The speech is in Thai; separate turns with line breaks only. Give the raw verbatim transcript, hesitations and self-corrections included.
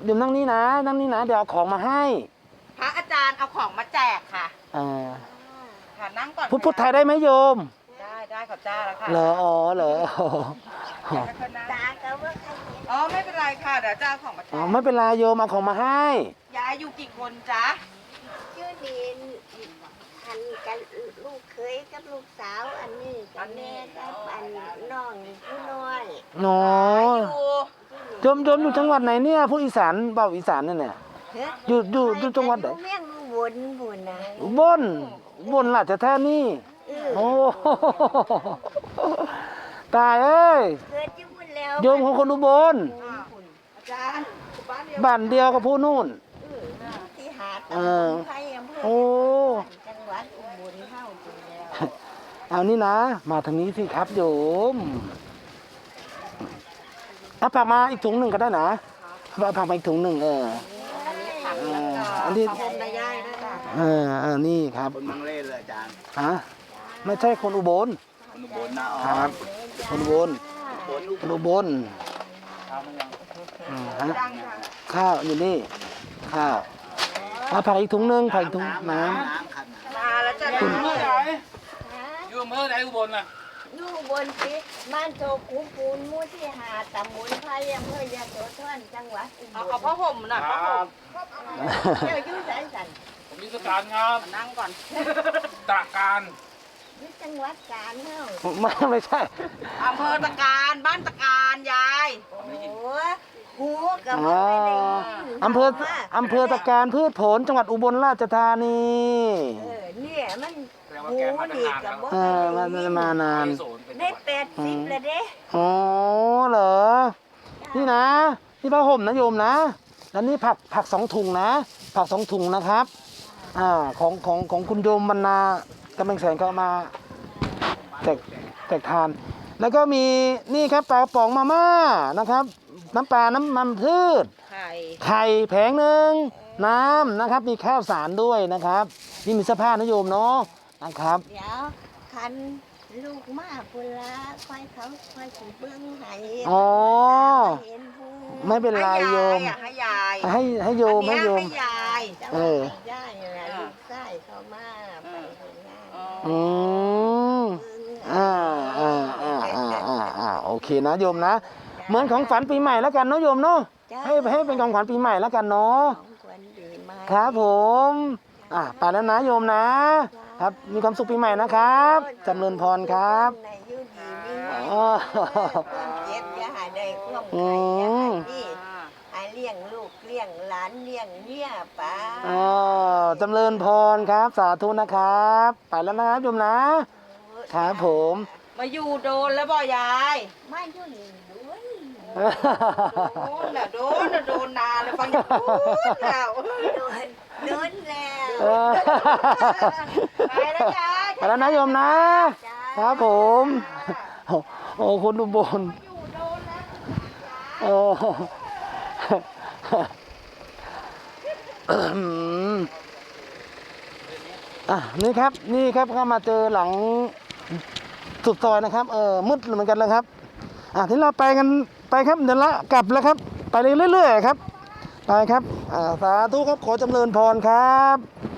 โยมนั่งนี่นะนั่งนี่นะเดี๋ยวเอาของมาให้
พระอาจารย์เอาของมาแจกค่ะ
อ่า
ค่ะนั่งก่อน
พูดพูดไทยได้ไหมโยม
ได้ได้ขอบจ้าแล้วค่ะ
เหรออ๋อเหรอ
ตาก็ว่าอ๋อไม่เป็นไรค่ะเดี๋ยวจะเอาของมาแจก
อ๋อไม่เป็นไรโยมเอาของมาให้
ยายอยู่กี่คนจ๊ะ
ชื่อดินอันกันลูกเคยกับลูกสาวอันนี้กับแม่กับอันน้องผู้น้อย
หนอโยมโยมอยู่จังหวัดไหนเนี่ยพูดอีสานเบาอีสานเนี่ยเนี่ยอยู่อยู่อยู่จังหวัดไหน
เมี่ยงบนบนนะ
บนบนราชธานีโอ้ตายเอ้ย
เกิดที่บุญแล้ว
โยมของคนอุบล
อาจารย์
บ้านเดียวกับผู้นู่น
ที่หาดตำบลไผ่อำเภอจังหวัดอุบลเท่าจริงแล้ว
เอานี่นะมาทางนี้สิครับโยมเอาผักมาอีกถุงหนึ่งก็ได้นะเอาผักมาอีกถุงหนึ่งเอออันนี้เออเออนี่ครับ
คนมังเล่เลยอาจารย์
ฮะไม่ใช่คนอุบล
คนอุบลนะครับ
คนอุบลคนอุบลข้าวอยู่นี่ข้าวเอาผักอีกถุงหนึ่งผักอีกถุงน้ำ
มาแล้วจะ
อยู่เมื่อไหร่อยู่เมื่อไหร่อุบลน่ะ
อยู่บนสิบ้านโตกุปูนมู่ที่หาตำบลไผ่อำเภอยะโสธรจังหวัดอุบล
เอาผ้าห่มหน่อยผ้าห่ม
เดี๋ยวยุ่งสายสัน
ผมมีสถานครับ
นั่งก่อน
ตะการ
นี่จังหวัดกาญเนาะ
ไม่ไม่ใช่
อำเภอตะการบ้านตะการยาย
โอ้หูกับไม่ได้
อำเภออำเภอตะการพืชผลจังหวัดอุบลราชธานี
เออเนี่ยมันหูดีกับบ่
เออมันมานาน
ได้แปดสิบเลยเด้
อ๋อเหรอนี่นะนี่ผ้าห่มนะโยมนะแล้วนี่ผักผักสองถุงนะผักสองถุงนะครับอ่าของของของคุณโยมบรรณากำลังแสงเขามาแจกแจกทานแล้วก็มีนี่ครับปลาป๋องมาม่านะครับน้ำปลาน้ำมันพืชไข่ไข่แผงหนึ่งน้ำนะครับมีข้าวสารด้วยนะครับนี่มีเสื้อผ้านะโยมเนาะนะครับ
เดี๋ยวคันลูกมาปุระค่อยเขาค่อยสิเบิ้งให้
อ๋อไม่เป็นไรโยม
ให้ยาย
ให้ให้โยมให้โยม
ให้ยาย
เออ
ได้นะลูกชายเขามาไปงาน
อืมอ่าอ่าอ่าอ่าอ่าอ่าโอเคนะโยมนะเหมือนของฝันปีใหม่แล้วกันเนาะโยมเนาะให้ให้เป็นของขวัญปีใหม่แล้วกันเนาะครับผมอ่ะไปแล้วนะโยมนะครับมีความสุขปีใหม่นะครับจำเริญพรครับ
อ๋อเจ็บอย่าหายได้ความใครอย่าหายดีหายเลี้ยงลูกเลี้ยงหลานเลี้ยงเมียป้า
อ๋อจำเริญพรครับสาธุนะครับไปแล้วนะโยมนะครับผม
มาอยู่โดนแล้วบ่ยาย
ไม่อยู่นี่ด้วย
โดนแล้วโดนแล้วโดนนานเลยฟังอย่างพูดแล้ว
โดนโดนแล้ว
ไปแล้วยาย
ไปแล้วนะโยมนะครับผมโอ้คนอุบลโอ้อ่ะนี่ครับนี่ครับเข้ามาเจอหลังสุดซอยนะครับเออมืดเหมือนกันแล้วครับอ่ะที่เราไปกันไปครับเดี๋ยวละกลับแล้วครับไปเรื่อยๆครับไปครับอ่าสาธุครับขอจำเริญพรครับ